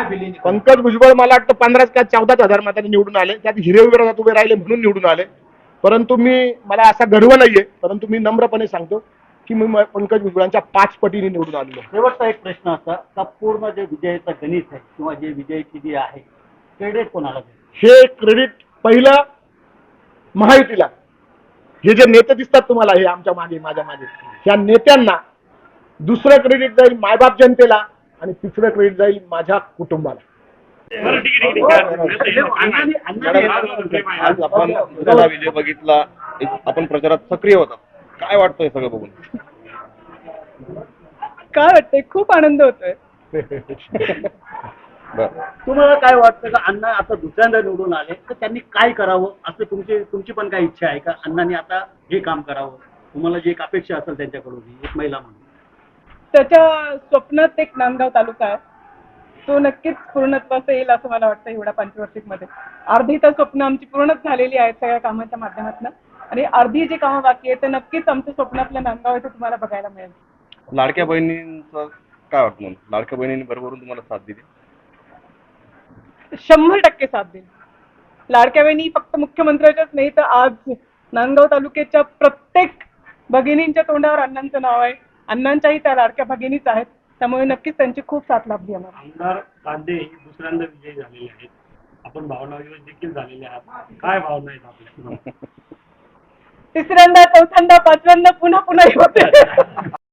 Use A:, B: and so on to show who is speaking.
A: पंकज भुजबळ मला वाटतं 15 का 14,000 मतांनी निवडून आले. त्यात हिरे विरोधात उभे राहिले म्हणून निवडून आले. परंतु मला असा गर्व नाहीये, परंतु मी नम्रपणे सांगतो की मी पंकज भुजबळांच्या 5 पटीने निवडून आलेलो.
B: शेवटचा एक प्रश्न असा का पूर्ण जे विजयाचं गणित आहे किंवा जे विजयाची जी आहे क्रेडिट कोणाला देईल?
A: हे क्रेडिट पहिलं महायुतीला. हे जे नेते दिसतात तुम्हाला हे आमच्या मागे माझ्या मागे ह्या नेत्यांना. दुसरं क्रेडिट जाईल मायबाप जनतेला आणि तिसरं क्रेडिट जाईल माझ्या कुटुंबाला.
C: आज आपण झाला विजय बघितला, आपण प्रचारात सक्रिय होता, काय वाटतंय सगळं बघून?
D: काय वाटतंय? खूप आनंद होतोय.
B: तुम्हाला काय वाटतं का अण्णा आता दुसऱ्यांदा निवडून आले तर त्यांनी काय करावं असं तुमची पण काय इच्छा आहे का? अण्णांनी आता हे काम करावं, तुम्हाला जी एक अपेक्षा असेल त्यांच्याकडून एक महिला म्हणून?
D: त्याच्या स्वप्नात एक नांदगाव तालुका आहे, तो नक्कीच पूर्णत्वास येईल असं मला वाटतं. एवढ्या पंचवार्षिक मध्ये अर्धी तर स्वप्न आमची पूर्णच झालेली आहेत सगळ्या कामांच्या माध्यमातून, आणि अर्धी जी कामं बाकी आहेत तर नक्कीच आमचं स्वप्न आपलं नांदगाव इथे तुम्हाला बघायला मिळेल.
C: लाडक्या बहिणींचं काय वाटतं? लाडक्या बहिणींनी बरोबरून तुम्हाला साथ दिली?
D: 100% साथ देईल. लाडक्या बहिणी फक्त मुख्यमंत्र्याच्याच नाही तर आज नांदगाव तालुक्याच्या प्रत्येक भगिनींच्या तोंडावर अण्णांचं नाव आहे. अण्णांच्याही त्या लाडक्या भगिनीच आहेत, त्यामुळे नक्कीच त्यांची खूप साथ लाभली आम्हाला.
E: आमदार कांदे हे दुसऱ्यांदा विजयी झालेले आहेत, आपण भावनाविरोध देखील झालेले आहात, काय भावना आहेत आपल्या?
D: तिसऱ्यांदा, चौथ्यांदा, पाचव्यांदा पुन्हा पुन्हा होते.